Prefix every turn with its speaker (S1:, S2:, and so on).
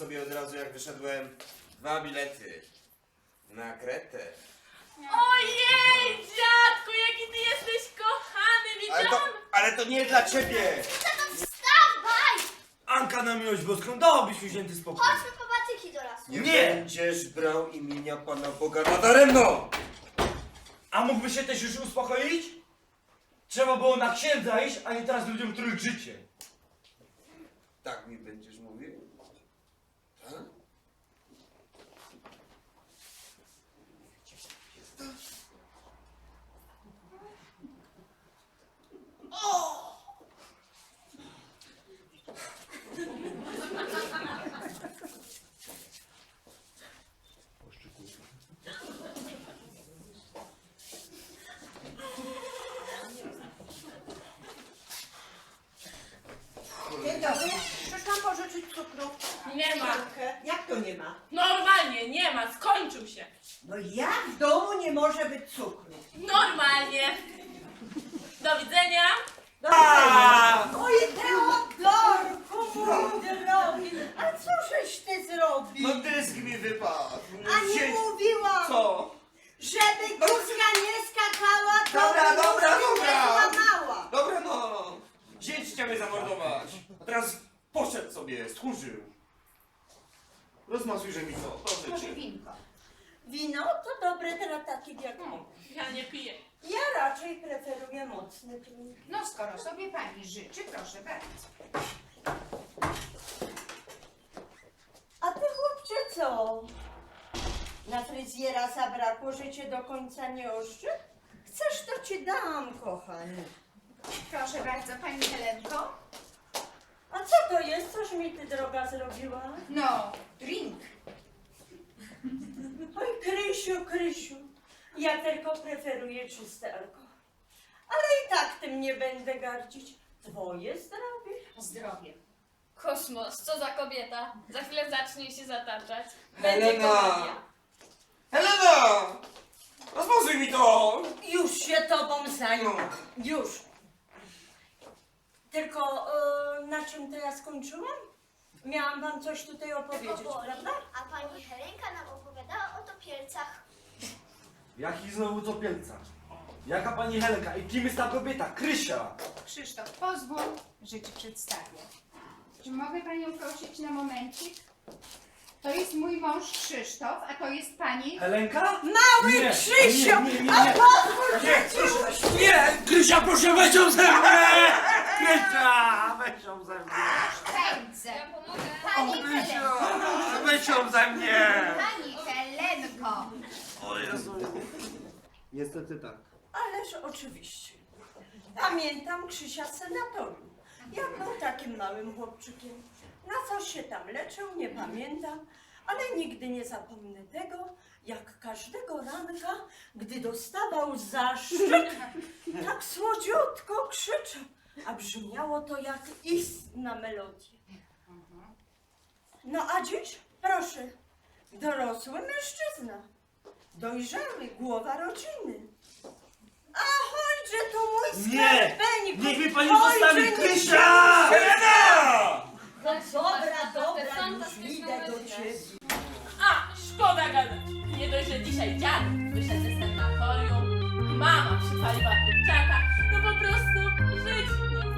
S1: sobie od razu jak wyszedłem 2 bilety na Kretę.
S2: Ojej, dziadku, jaki ty jesteś kochany,
S1: Ale to nie dla ciebie!
S3: Wstawaj!
S4: Anka, na miłość boską, dałabyś mi święty spokój.
S3: Chodźmy po patyki do lasu.
S1: Nie,
S4: Nie!
S1: będziesz brał imienia Pana Boga nadaremno!
S4: A mógłby się też już uspokoić? Trzeba było na księdza iść, a nie teraz ludziom trójć życie.
S1: Tak mi będziesz mówił? Tak?
S5: Dzień dobry, przyszłam pożyczyć cukru.
S2: Nie ma.
S5: Jak to nie ma?
S2: Normalnie, nie ma, skończył się.
S5: No jak w domu nie może być cukru?
S2: Normalnie. Do widzenia.
S5: Oj, Teodorku, mój drogi, a co żeś ty zrobił?
S1: No dysk mi wypadł!
S5: A nie mówiłam,
S1: Co?
S5: żeby kózka nie skakała, to
S1: Dobra,
S5: by
S1: dobra,
S5: nóżki
S1: dobra.
S5: nie złamała.
S1: Dobra no! Zięć chciał mnie zamordować! A teraz poszedł sobie, stchórzył. Rozmasujże mi to, proszę
S5: Może
S1: cię.
S5: winko. Wino to dobre dla takich jak my.
S2: Ja nie piję.
S5: Ja raczej preferuję mocne drinki.
S6: No skoro sobie pani życzy, proszę bardzo.
S5: A ty chłopcze co? Na fryzjera zabrakło, że cię do końca nie oszczy? Chcesz, to ci dam, kochanie.
S6: Proszę bardzo, pani Helenko.
S5: A co to jest? Coś mi ty droga zrobiła?
S6: No, drink.
S5: Oj, Krysiu, Krysiu, ja tylko preferuję czysty alkohol. Ale i tak tym nie będę gardzić. Twoje zdrowie.
S6: Zdrowie.
S7: Kosmos, co za kobieta. Za chwilę zacznie się zataczać.
S1: Helena! Helena! Rozmazuj mi to!
S5: Już się tobą zajmę. Już. Tylko na czym to ja skończyłam? Miałam wam coś tutaj opowiedzieć, prawda?
S3: A pani Helenka nam opowiadała o topielcach.
S4: Jaki znowu topielca? Jaka pani Helenka? I kim jest ta kobieta? Krysia!
S6: Krzysztof, pozwól, że ci przedstawię. Czy mogę panią prosić na momencik? To jest mój mąż Krzysztof, a to jest pani...
S4: Helenka?
S5: Mały
S4: Nie,
S5: Krzysiu!
S4: nie,
S5: A
S4: nie.
S5: pozwól,
S4: Nie,
S5: że ci
S4: Nie! Krysia, proszę, weź ją ze mnie! Krysia, weź ją ze mnie!
S6: Pędzę.
S7: Ja pomogę.
S6: Pani Helenko.
S4: Weź ją ze mnie!
S6: Pani Helenko.
S4: O Jezu.
S1: Niestety tak.
S5: Ależ oczywiście. Pamiętam Krzysia z sanatorium. Jak był takim małym chłopczykiem. Na co się tam leczył, nie pamiętam, ale nigdy nie zapomnę tego, jak każdego ranka, gdy dostawał zaszczyt, tak słodziutko krzyczał, a brzmiało to jak istna melodia. No a dziś, proszę, dorosły mężczyzna, dojrzały, głowa rodziny. Ahoj, że to mój
S4: Nie!
S5: skarbenik!
S4: Niech mi pani
S5: Ojcze,
S4: zostawi
S5: nie-
S4: Krysia!
S1: Helena!
S5: No dobra, dobra, już
S7: Fantastyczną
S5: idę do
S7: godzinę.
S5: ciebie.
S2: A, szkoda gadać. Nie dość, że dzisiaj dziad wyszedł ze sanatorium, mama przypaliła kurczaka, no po prostu żyć nie